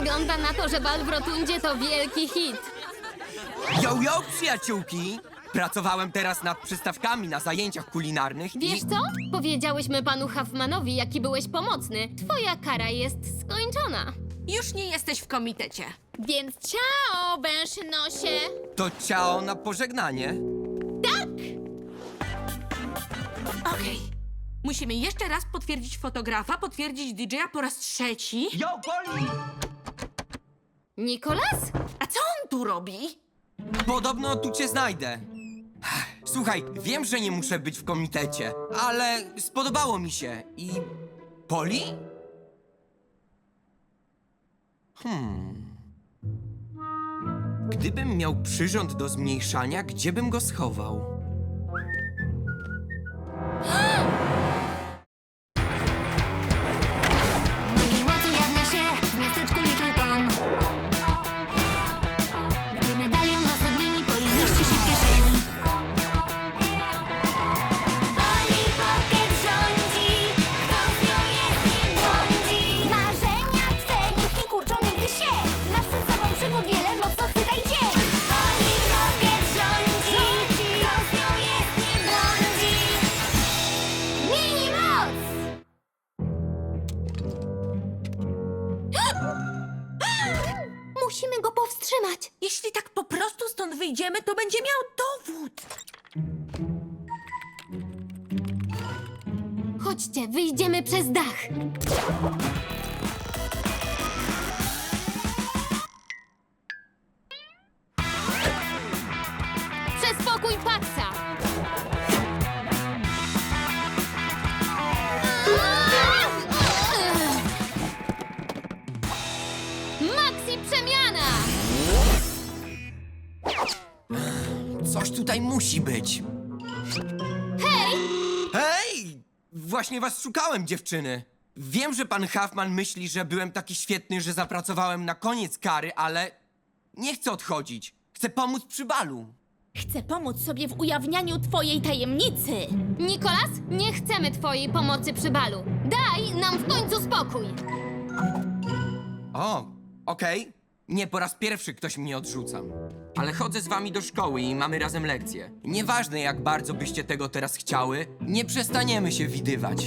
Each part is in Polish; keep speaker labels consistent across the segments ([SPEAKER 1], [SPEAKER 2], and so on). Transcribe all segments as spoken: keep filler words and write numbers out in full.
[SPEAKER 1] Wygląda na to, że bal w Rotundzie to wielki hit.
[SPEAKER 2] Yo, yo, przyjaciółki! Pracowałem teraz nad przystawkami na zajęciach kulinarnych
[SPEAKER 1] Wiesz
[SPEAKER 2] i...
[SPEAKER 1] co? Powiedziałyśmy panu Huffmanowi, jaki byłeś pomocny. Twoja kara jest skończona.
[SPEAKER 3] Już nie jesteś w komitecie.
[SPEAKER 1] Więc ciao, węszynosie!
[SPEAKER 2] To ciao na pożegnanie.
[SPEAKER 3] Okej. Musimy jeszcze raz potwierdzić fotografa, potwierdzić didżeja po raz trzeci.
[SPEAKER 2] Yo, Poli!
[SPEAKER 1] Nikolas?
[SPEAKER 3] A co on tu robi?
[SPEAKER 2] Podobno tu cię znajdę. Słuchaj, wiem, że nie muszę być w komitecie, ale spodobało mi się i... Poli? Hmm... Gdybym miał przyrząd do zmniejszania, gdzie bym go schował?
[SPEAKER 4] Mocy jawnia się w miasteczku Little Town. Gdy medalion na sodnymi Poli mieści się w kieszeni. Poli Pocket rządzi, kto z nią jest nie błądzi. Marzenia twe nikt nie kurczą nigdy się. Masz przed sobą przygód wiele, mocno chwytajcie. Poli Pocket rządzi, kto z nią jest nie błądzi. Mini moc! Musimy go powstrzymać.
[SPEAKER 3] Jeśli tak po prostu stąd wyjdziemy, to będzie miał dowód.
[SPEAKER 1] Chodźcie, wyjdziemy przez dach. Przespokój Paxa! Maxi przemiana!
[SPEAKER 2] Coś tutaj musi być.
[SPEAKER 1] Hej!
[SPEAKER 2] Hej! Właśnie was szukałem, dziewczyny. Wiem, że pan Huffman myśli, że byłem taki świetny, że zapracowałem na koniec kary, ale nie chcę odchodzić. Chcę pomóc przy balu.
[SPEAKER 5] Chcę pomóc sobie w ujawnianiu twojej tajemnicy.
[SPEAKER 1] Nikolas, nie chcemy twojej pomocy przy balu. Daj nam w końcu spokój.
[SPEAKER 2] O, okej. Nie po raz pierwszy ktoś mnie odrzuca. Ale chodzę z wami do szkoły i mamy razem lekcje. Nieważne, jak bardzo byście tego teraz chciały, nie przestaniemy się widywać.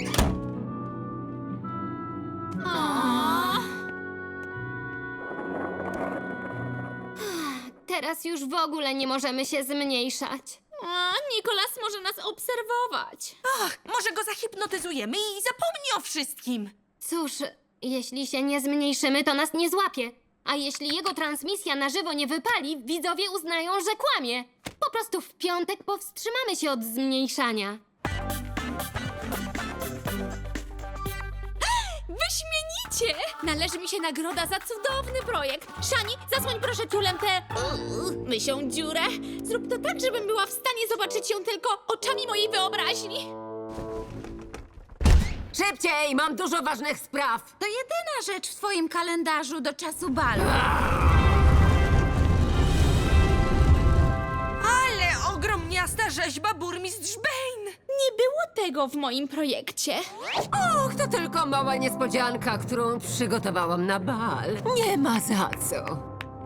[SPEAKER 1] Teraz już w ogóle nie możemy się zmniejszać.
[SPEAKER 5] A, Nikolas może nas obserwować.
[SPEAKER 3] Ach, może go zahipnotyzujemy i zapomni o wszystkim.
[SPEAKER 1] Cóż, jeśli się nie zmniejszymy, to nas nie złapie. A jeśli jego transmisja na żywo nie wypali, widzowie uznają, że kłamie. Po prostu w piątek powstrzymamy się od zmniejszania.
[SPEAKER 5] Wyśmienicie! Należy mi się nagroda za cudowny projekt. Szani, zasłoń proszę ciulem tę uuu, mysią dziurę. Zrób to tak, żebym była w stanie zobaczyć ją tylko oczami mojej wyobraźni.
[SPEAKER 6] Szybciej, mam dużo ważnych spraw.
[SPEAKER 5] To jedyna rzecz w twoim kalendarzu do czasu balu.
[SPEAKER 3] Ale ogrom miasta rzeźba burmistrz Bane.
[SPEAKER 5] Nie było tego w moim projekcie.
[SPEAKER 6] Och, to tylko mała niespodzianka, którą przygotowałam na bal. Nie ma za co.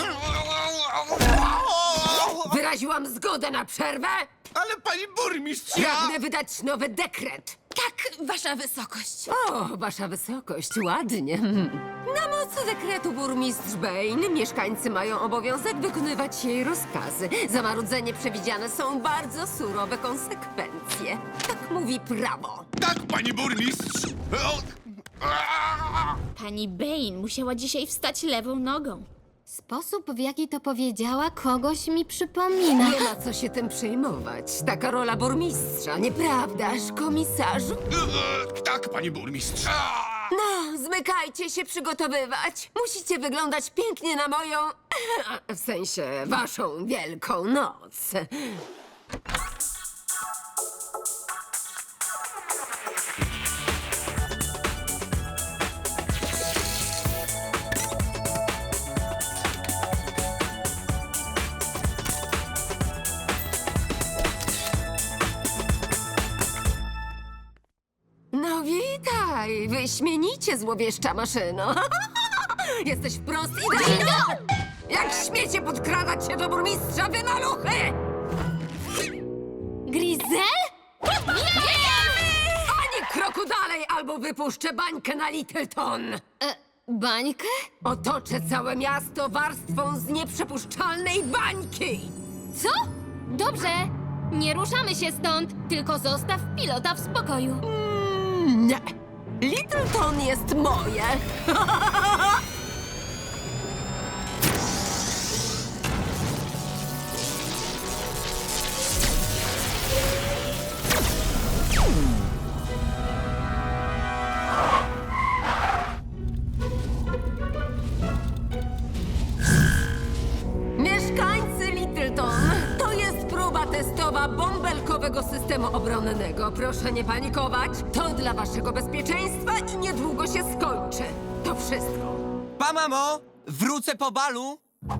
[SPEAKER 6] Wyraziłam zgodę na przerwę.
[SPEAKER 7] Ale pani burmistrz,
[SPEAKER 6] Pragnę wydać nowy dekret.
[SPEAKER 5] Tak, wasza wysokość.
[SPEAKER 6] O, wasza wysokość, ładnie. Hmm. Na mocy dekretu burmistrz Bane mieszkańcy mają obowiązek wykonywać jej rozkazy. Za marudzenie przewidziane są bardzo surowe konsekwencje. Tak mówi prawo.
[SPEAKER 7] Tak, pani burmistrz! O, a,
[SPEAKER 5] Pani Bane musiała dzisiaj wstać lewą nogą.
[SPEAKER 1] Sposób, w jaki to powiedziała, kogoś mi przypomina.
[SPEAKER 6] Nie ma co się tym przejmować. Taka rola burmistrza, nieprawdaż, komisarzu?
[SPEAKER 7] e, Tak, pani burmistrz! A,
[SPEAKER 6] No, zmykajcie się przygotowywać. Musicie wyglądać pięknie na moją... w sensie, waszą wielką noc. No witaj, wyśmienicie złowieszcza maszyno. Jesteś wprost idealna! Jak śmiecie podkradać się do burmistrza, wy maluchy!
[SPEAKER 1] Grizel?
[SPEAKER 6] Ani kroku dalej, albo wypuszczę bańkę na Littleton!
[SPEAKER 1] E, bańkę?
[SPEAKER 6] Otoczę całe miasto warstwą z nieprzepuszczalnej bańki!
[SPEAKER 1] Co? Dobrze. Nie ruszamy się stąd, tylko zostaw pilota w spokoju.
[SPEAKER 6] Nie! Littleton jest moje! Mieszkańcy Littleton, to jest próba testowa bąbelkowego systemu obronnego. Proszę nie panikować. To dla waszego bezpieczeństwa i niedługo się skończy. To wszystko.
[SPEAKER 2] Pa, mamo! Wrócę po balu!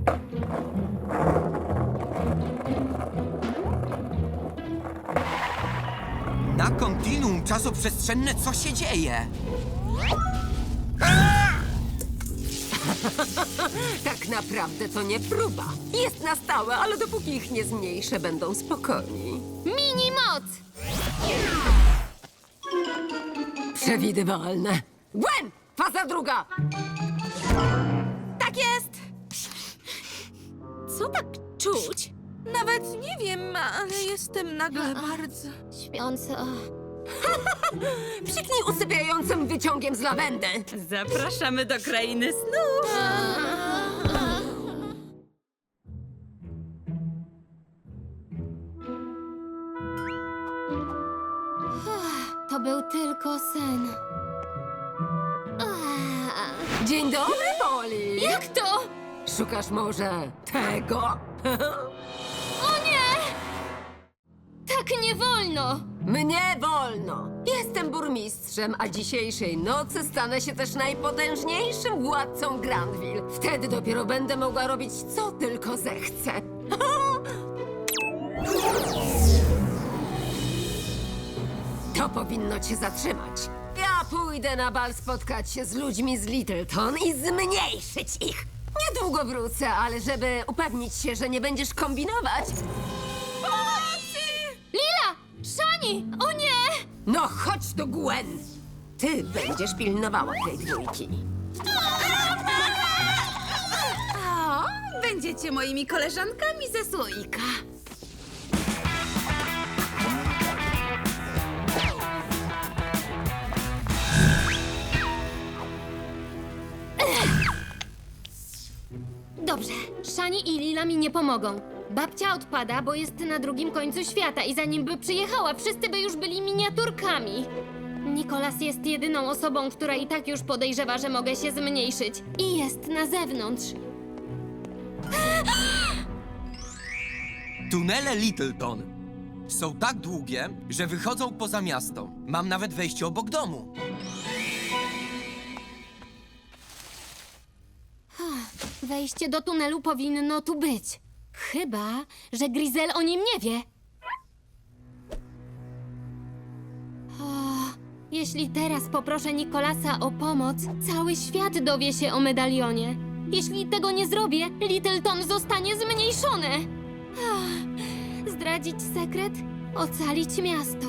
[SPEAKER 2] Na kontinuum czasoprzestrzenne co się dzieje?
[SPEAKER 6] Tak naprawdę to nie próba. Jest na stałe, ale dopóki ich nie zmniejszę, będą spokojni.
[SPEAKER 1] Mini moc!
[SPEAKER 6] Przewidywalne. Gwen! Faza druga!
[SPEAKER 3] Tak jest! Co tak czuć? Nawet nie wiem, ale jestem nagle bardzo...
[SPEAKER 1] Śpiąca.
[SPEAKER 6] Psiknij usypiającym wyciągiem z lawendy.
[SPEAKER 3] Zapraszamy do krainy snów!
[SPEAKER 1] To był tylko sen. Ah.
[SPEAKER 6] Dzień dobry, Poli!
[SPEAKER 1] Jak to?
[SPEAKER 6] Szukasz może tego?
[SPEAKER 1] O nie! Tak nie wolno!
[SPEAKER 6] Mnie wolno! Jestem burmistrzem, a dzisiejszej nocy stanę się też najpotężniejszym władcą Grandville. Wtedy dopiero będę mogła robić, co tylko zechcę. To powinno cię zatrzymać. Ja pójdę na bal spotkać się z ludźmi z Littleton i zmniejszyć ich. Niedługo wrócę, ale żeby upewnić się, że nie będziesz kombinować...
[SPEAKER 1] Lila! Shani! O nie!
[SPEAKER 6] No chodź do Gwen! Ty będziesz pilnowała tej dwójki.
[SPEAKER 3] O, będziecie moimi koleżankami ze słoika.
[SPEAKER 1] Dobrze, Shani i Lila mi nie pomogą. Babcia odpada, bo jest na drugim końcu świata i zanim by przyjechała, wszyscy by już byli miniaturkami. Nikolas jest jedyną osobą, która i tak już podejrzewa, że mogę się zmniejszyć. I jest na zewnątrz.
[SPEAKER 2] Tunele Littleton są tak długie, że wychodzą poza miasto. Mam nawet wejście obok domu.
[SPEAKER 1] Wejście do tunelu powinno tu być. Chyba, że Grizel o nim nie wie. O, jeśli teraz poproszę Nikolasa o pomoc, cały świat dowie się o medalionie. Jeśli tego nie zrobię, Littleton zostanie zmniejszone. Ach, zdradzić sekret? Ocalić miasto.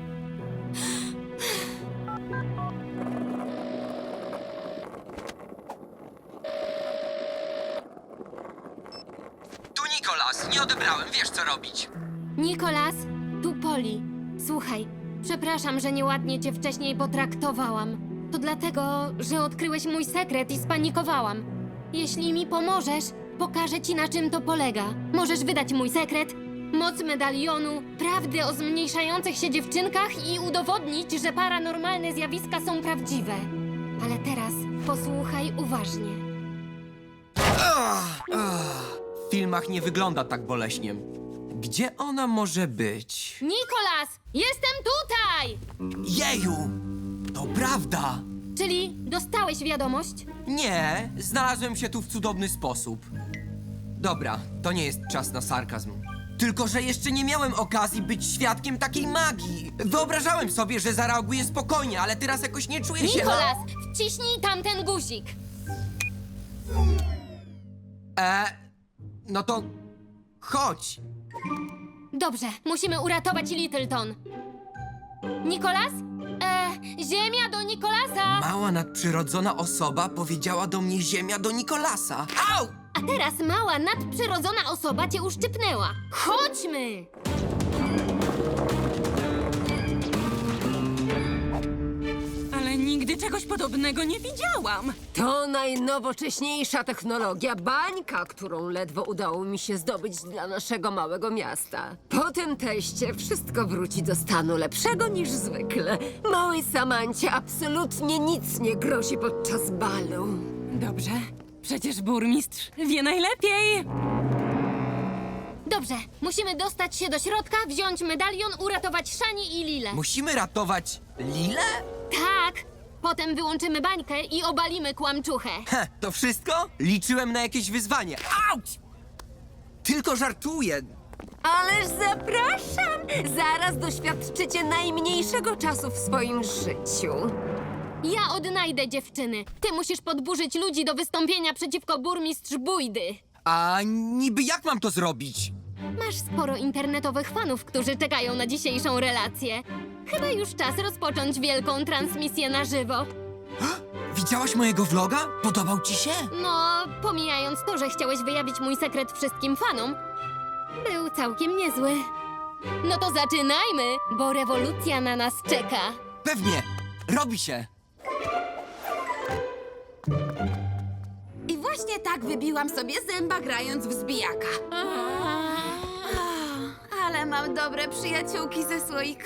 [SPEAKER 2] Tu Nikolas, nie odebrałem, wiesz co robić.
[SPEAKER 1] Nikolas, tu Poli. Słuchaj, przepraszam, że nieładnie cię wcześniej potraktowałam. To dlatego, że odkryłeś mój sekret i spanikowałam. Jeśli mi pomożesz, pokażę ci, na czym to polega. Możesz wydać mój sekret, moc medalionu, prawdę o zmniejszających się dziewczynkach i udowodnić, że paranormalne zjawiska są prawdziwe. Ale teraz posłuchaj uważnie.
[SPEAKER 2] W filmach nie wygląda tak boleśnie. Gdzie ona może być?
[SPEAKER 1] Nikolas, jestem tutaj!
[SPEAKER 2] Jeju! To prawda!
[SPEAKER 1] Czyli dostałeś wiadomość?
[SPEAKER 2] Nie, znalazłem się tu w cudowny sposób. Dobra, to nie jest czas na sarkazm. Tylko, że jeszcze nie miałem okazji być świadkiem takiej magii. Wyobrażałem sobie, że zareaguję spokojnie, ale teraz jakoś nie czuję się...
[SPEAKER 1] Nikolas, wciśnij tamten guzik.
[SPEAKER 2] E, no to chodź.
[SPEAKER 1] Dobrze, musimy uratować Littleton. Nikolas? E, ziemia do Nikolasa!
[SPEAKER 2] Mała nadprzyrodzona osoba powiedziała do mnie ziemia do Nikolasa. Au!
[SPEAKER 1] A teraz mała nadprzyrodzona osoba cię uszczypnęła. Chodźmy!
[SPEAKER 3] Ale nigdy czegoś podobnego nie widziałam.
[SPEAKER 6] To najnowocześniejsza technologia bańka, którą ledwo udało mi się zdobyć dla naszego małego miasta. Po tym teście wszystko wróci do stanu lepszego niż zwykle. Małej Samancie absolutnie nic nie grozi podczas balu.
[SPEAKER 3] Dobrze, przecież burmistrz wie najlepiej.
[SPEAKER 1] Dobrze, musimy dostać się do środka, wziąć medalion, uratować Shani i Lilę.
[SPEAKER 2] Musimy ratować Lilę?
[SPEAKER 1] Tak! Potem wyłączymy bańkę i obalimy kłamczuchę.
[SPEAKER 2] Heh, to wszystko? Liczyłem na jakieś wyzwanie. Auć! Tylko żartuję.
[SPEAKER 6] Ależ zapraszam! Zaraz doświadczycie najmniejszego czasu w swoim życiu.
[SPEAKER 1] Ja odnajdę dziewczyny. Ty musisz podburzyć ludzi do wystąpienia przeciwko burmistrz Bójdy.
[SPEAKER 2] A niby jak mam to zrobić?
[SPEAKER 1] Masz sporo internetowych fanów, którzy czekają na dzisiejszą relację. Chyba już czas rozpocząć wielką transmisję na żywo.
[SPEAKER 2] Widziałaś mojego vloga? Podobał ci się?
[SPEAKER 1] No, pomijając to, że chciałeś wyjawić mój sekret wszystkim fanom, był całkiem niezły. No to zaczynajmy, bo rewolucja na nas czeka.
[SPEAKER 2] Pewnie. Robi się.
[SPEAKER 3] I właśnie tak wybiłam sobie zęba grając w zbijaka.
[SPEAKER 5] Ale mam dobre przyjaciółki ze słoika.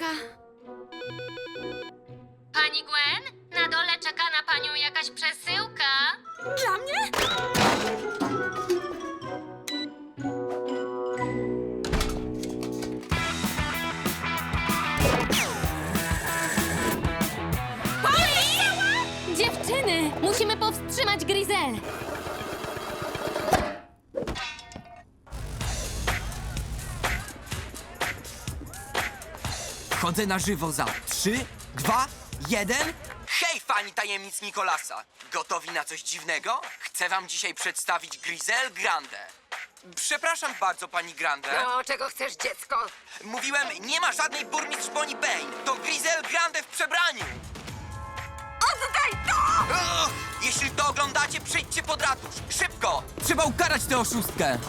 [SPEAKER 1] Pani Gwen, na dole czeka na panią jakaś przesyłka.
[SPEAKER 3] Dla mnie?
[SPEAKER 1] Dziewczyny, musimy powstrzymać Grizel.
[SPEAKER 2] Chodzę na żywo za trzy, dwa, jeden. Hej, fani tajemnic Nikolasa! Gotowi na coś dziwnego? Chcę wam dzisiaj przedstawić Grizel Grande. Przepraszam bardzo, pani Grande.
[SPEAKER 6] No, czego chcesz, dziecko?
[SPEAKER 2] Mówiłem, nie ma żadnej burmistrz Bonnie Payne. To Grizel Grande w przebraniu.
[SPEAKER 6] Oddaj to!
[SPEAKER 2] Ugh! Jeśli to oglądacie, przyjdźcie pod ratusz. Szybko! Trzeba ukarać tę oszustkę.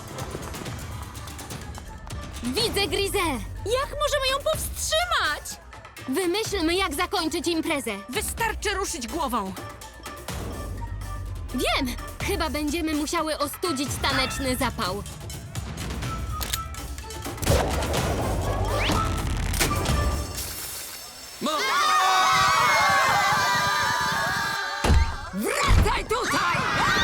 [SPEAKER 1] Widzę Grizel.
[SPEAKER 5] Jak możemy ją powstrzymać?
[SPEAKER 1] Wymyślmy, jak zakończyć imprezę.
[SPEAKER 3] Wystarczy ruszyć głową.
[SPEAKER 1] Wiem! Chyba będziemy musiały ostudzić taneczny zapał.
[SPEAKER 2] No.
[SPEAKER 6] Wracaj tutaj!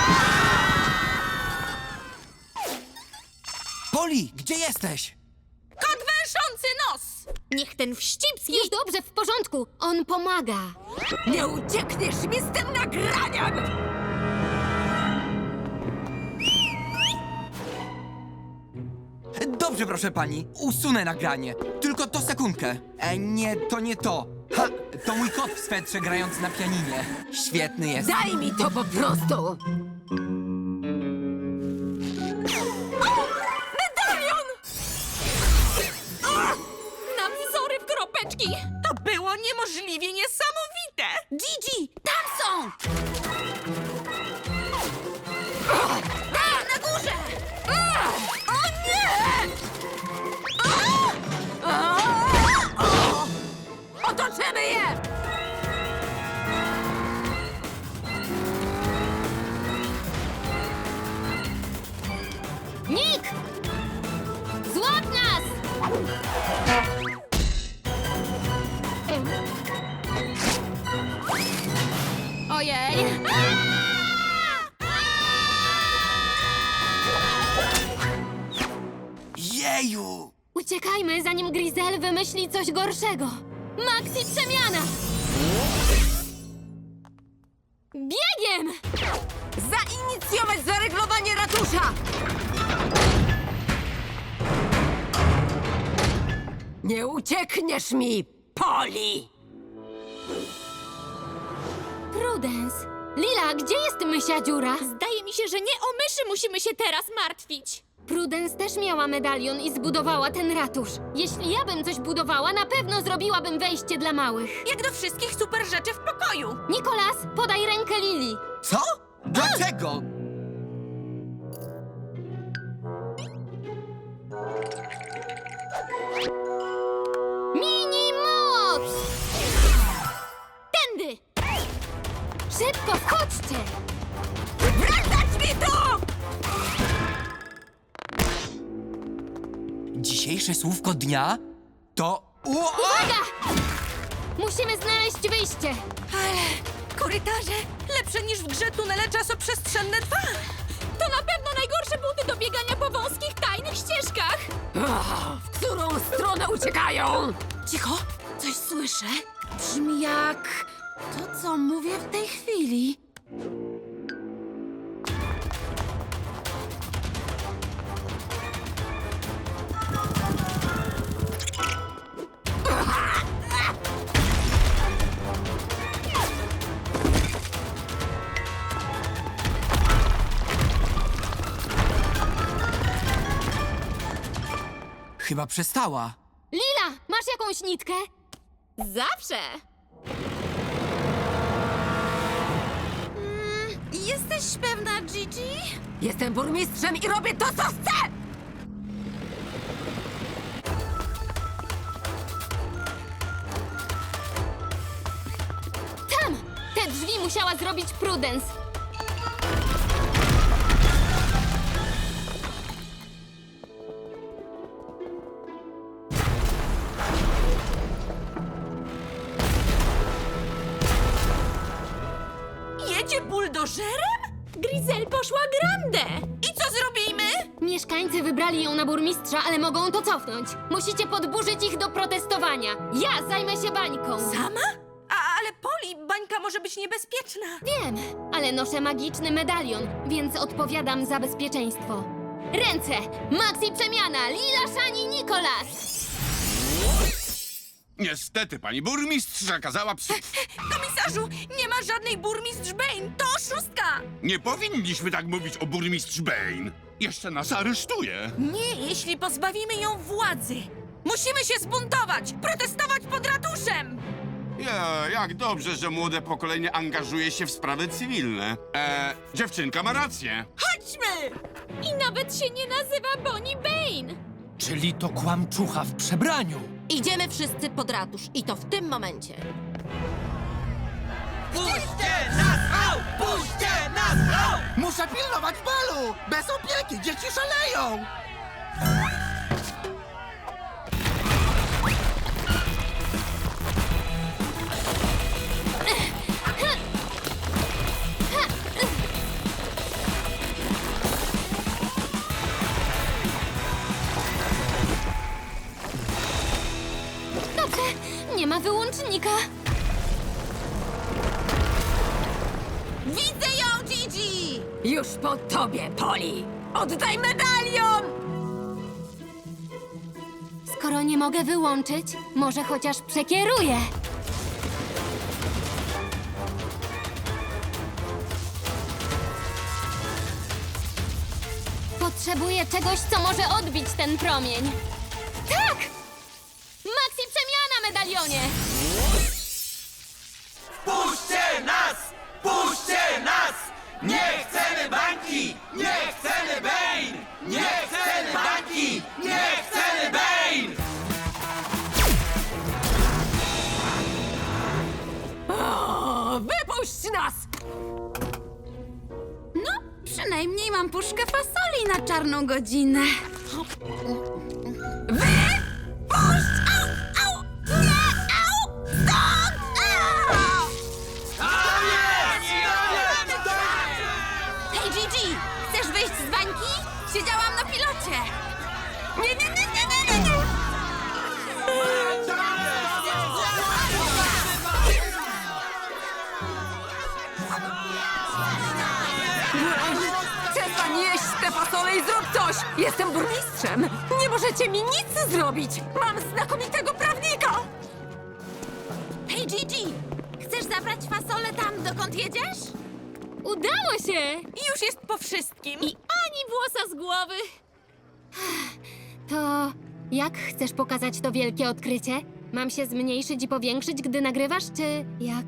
[SPEAKER 2] Poli, gdzie jesteś?
[SPEAKER 3] Kot węszący nos!
[SPEAKER 5] Niech ten wścibski...
[SPEAKER 1] Już dobrze, w porządku. On pomaga.
[SPEAKER 6] Nie uciekniesz mi z tym nagraniem!
[SPEAKER 2] Dobrze, proszę pani. Usunę nagranie. Tylko to sekundkę. E, nie, to nie to. Ha! To mój kot w swetrze grający na pianinie. Świetny jest.
[SPEAKER 6] Daj mi to po prostu! Medalion!
[SPEAKER 3] Na wzory w kropeczki! To było niemożliwie niesamowite! Gigi, tam są!
[SPEAKER 5] Tam, na górze!
[SPEAKER 6] O nie! Otoczymy je!
[SPEAKER 1] Nick! Złap nas! Ojej!
[SPEAKER 2] Jeju!
[SPEAKER 1] Uciekajmy, zanim Grizel wymyśli coś gorszego. Maxi przemiana! Biegiem!
[SPEAKER 6] Zainicjować zareglowanie ratusza! Nie uciekniesz mi, Poli!
[SPEAKER 1] Prudence! Lila, gdzie jest mysia dziura?
[SPEAKER 5] Zdaje mi się, że nie o myszy musimy się teraz martwić.
[SPEAKER 1] Prudence też miała medalion i zbudowała ten ratusz. Jeśli ja bym coś budowała, na pewno zrobiłabym wejście dla małych.
[SPEAKER 3] Jak do wszystkich super rzeczy w pokoju.
[SPEAKER 1] Nikolas, podaj rękę Lili.
[SPEAKER 2] Co? Dlaczego?
[SPEAKER 1] Mini moc!
[SPEAKER 5] Tędy!
[SPEAKER 1] Szybko, wchodźcie!
[SPEAKER 3] Wracać mi tu!
[SPEAKER 2] Dzisiejsze słówko dnia to... Ua!
[SPEAKER 1] Uwaga! Musimy znaleźć wyjście.
[SPEAKER 3] Ale korytarze lepsze niż w grze tunele czasoprzestrzenne dwa.
[SPEAKER 5] To na pewno najgorsze buty do biegania po wąskich, tajnych ścieżkach.
[SPEAKER 6] Ach, w którą stronę uciekają?
[SPEAKER 3] Cicho, coś słyszę. Brzmi jak to, co mówię w tej chwili.
[SPEAKER 2] Chyba przestała.
[SPEAKER 1] Lila, masz jakąś nitkę?
[SPEAKER 5] Zawsze.
[SPEAKER 3] Jesteś pewna, Gigi?
[SPEAKER 6] Jestem burmistrzem i robię to, co chcę!
[SPEAKER 1] Tam! Te drzwi musiała zrobić Prudence.
[SPEAKER 3] Jedzie buldożerem?
[SPEAKER 5] Grizel poszła grande.
[SPEAKER 3] I co zrobimy?
[SPEAKER 1] Mieszkańcy wybrali ją na burmistrza, ale mogą to cofnąć. Musicie podburzyć ich do protestowania. Ja zajmę się bańką.
[SPEAKER 3] Sama? A, ale Poli, bańka może być niebezpieczna.
[SPEAKER 1] Wiem, ale noszę magiczny medalion, więc odpowiadam za bezpieczeństwo. Ręce! Maxi przemiana! Lila, Shani, Nikolas!
[SPEAKER 7] Niestety, pani burmistrz kazała przy...
[SPEAKER 3] Komisarzu, nie ma żadnej burmistrz Bane. To oszustka.
[SPEAKER 7] Nie powinniśmy tak mówić o burmistrz Bane. Jeszcze nas aresztuje.
[SPEAKER 3] Nie, jeśli pozbawimy ją władzy. Musimy się zbuntować, protestować pod ratuszem.
[SPEAKER 7] Ja, jak dobrze, że młode pokolenie angażuje się w sprawy cywilne. E, dziewczynka ma rację.
[SPEAKER 3] Chodźmy!
[SPEAKER 5] I nawet się nie nazywa Bonnie Bane.
[SPEAKER 2] Czyli to kłamczucha w przebraniu.
[SPEAKER 8] Idziemy wszyscy pod ratusz i to w tym momencie.
[SPEAKER 2] Puśćcie nas, au! Puśćcie nas, au!
[SPEAKER 9] Muszę pilnować balu! Bez opieki dzieci szaleją!
[SPEAKER 1] Dobrze, nie ma wyłącznika.
[SPEAKER 3] Widzę ją, Gigi!
[SPEAKER 6] Już po tobie, Poli! Oddaj medalion!
[SPEAKER 1] Skoro nie mogę wyłączyć, może chociaż przekieruję. Potrzebuję czegoś, co może odbić ten promień. Tak! Maxi przemiana, medalionie!
[SPEAKER 2] Puśćcie nas! Puśćcie nas! Nie chcemy bańki! Nie chcemy Bane! Nie chcemy bańki! Nie chcemy Bane!
[SPEAKER 6] O, wypuść nas!
[SPEAKER 3] No, przynajmniej mam puszkę fasoli na czarną godzinę. Wypuść! Au, au! Nie, au! Stąd! Au! Hej, Gigi! Chcesz wyjść z bańki? Siedziałam na pilocie. Nie, nie, nie, nie, nie, nie, nie!
[SPEAKER 6] Przestań jeść te fasole i zrób coś! Jestem burmistrzem! Nie możecie mi nic zrobić! Mam znakomitego prawnika!
[SPEAKER 3] Hej, Gigi! Chcesz zabrać fasolę tam, dokąd jedziesz?
[SPEAKER 1] Udało się!
[SPEAKER 3] I już jest po wszystkim.
[SPEAKER 5] I ani włosa z głowy.
[SPEAKER 1] To jak chcesz pokazać to wielkie odkrycie? Mam się zmniejszyć i powiększyć, gdy nagrywasz, czy jak?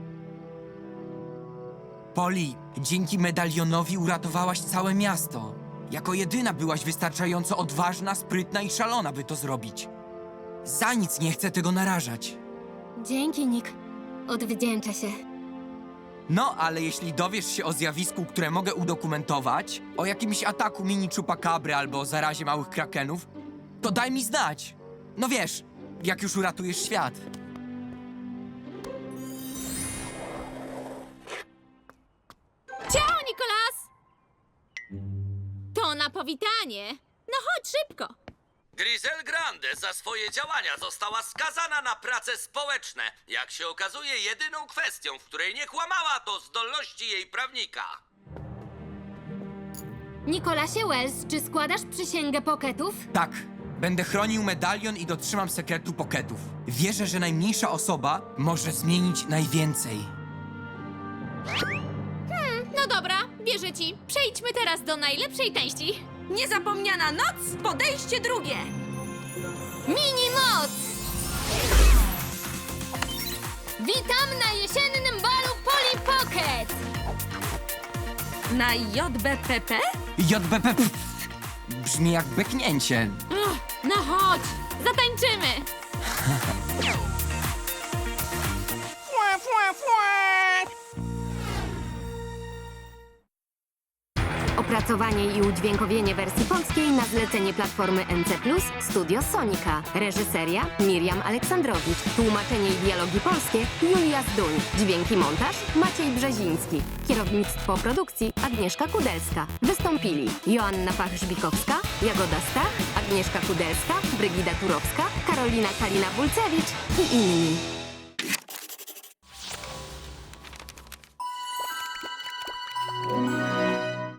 [SPEAKER 2] Poli, dzięki medalionowi uratowałaś całe miasto. Jako jedyna byłaś wystarczająco odważna, sprytna i szalona, by to zrobić. Za nic nie chcę tego narażać.
[SPEAKER 1] Dzięki, Nick. Odwdzięczę się.
[SPEAKER 2] No, ale jeśli dowiesz się o zjawisku, które mogę udokumentować, o jakimś ataku mini czupakabry albo o zarazie małych krakenów, to daj mi znać. No wiesz, jak już uratujesz świat.
[SPEAKER 5] Ciao, Nikolas! To na powitanie. No chodź szybko.
[SPEAKER 10] Grisel Grande za swoje działania została skazana na prace społeczne. Jak się okazuje, jedyną kwestią, w której nie kłamała, to zdolności jej prawnika.
[SPEAKER 1] Nikolasie Wells, czy składasz przysięgę Pocketów?
[SPEAKER 2] Tak, będę chronił medalion i dotrzymam sekretu Pocketów. Wierzę, że najmniejsza osoba może zmienić najwięcej.
[SPEAKER 5] No dobra, wierzę ci. Przejdźmy teraz do najlepszej części.
[SPEAKER 3] Niezapomniana noc, podejście drugie.
[SPEAKER 1] Mini moc! Witam na jesiennym balu Polly Pocket!
[SPEAKER 3] Na J B P P?
[SPEAKER 2] J B P P brzmi jak beknięcie.
[SPEAKER 5] Uch, no chodź, zatańczymy.
[SPEAKER 1] Opracowanie i udźwiękowienie wersji polskiej na zlecenie platformy N C plus, Studio Sonika. Reżyseria Miriam Aleksandrowicz. Tłumaczenie i dialogi polskie Julia Zduń. Dźwięki montaż Maciej Brzeziński. Kierownictwo produkcji Agnieszka Kudelska. Wystąpili Joanna Pach-Żbikowska, Jagoda Stach, Agnieszka Kudelska, Brygida Turowska, Karolina Kalina-Bulcewicz i inni.